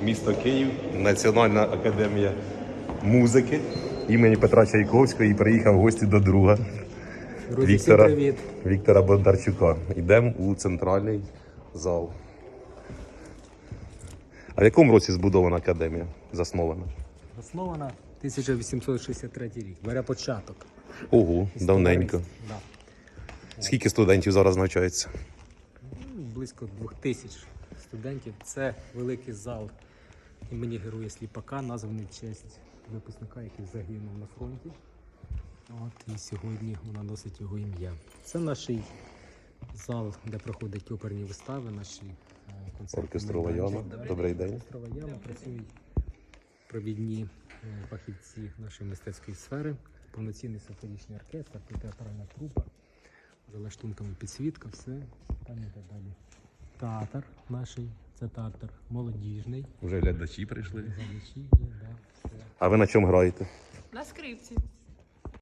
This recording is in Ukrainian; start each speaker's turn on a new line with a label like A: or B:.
A: місто Київ, Національна академія музики імені Петра Чайковського і приїхав в гості до друга
B: Друзі, всім привіт.
A: Віктора Бондарчука. Йдемо у центральний зал. А в якому році збудована академія? Заснована?
B: Заснована 1863 рік. Бере початок.
A: Ого, давненько.
B: Да.
A: Скільки студентів зараз навчається?
B: Близько 2000 студентів. Це великий зал імені Героя Сліпака, названий в честь випускника, який загинув на фронті. І сьогодні вона носить його ім'я. Це наш зал, де проходять оперні вистави, наші концерти.
A: Оркестрова яма. Добрий день.
B: Оркестрова яма. Працюють провідні фахівці нашої мистецької сфери, повноцінний симфонічний оркестр, театральна трупа, за лаштунками підсвітка, все, там і так далі. Театр наш, це театр молодіжний.
A: Вже глядачі прийшли.
B: Глядачі є, да, все.
A: А ви на чому граєте?
C: На скрипці.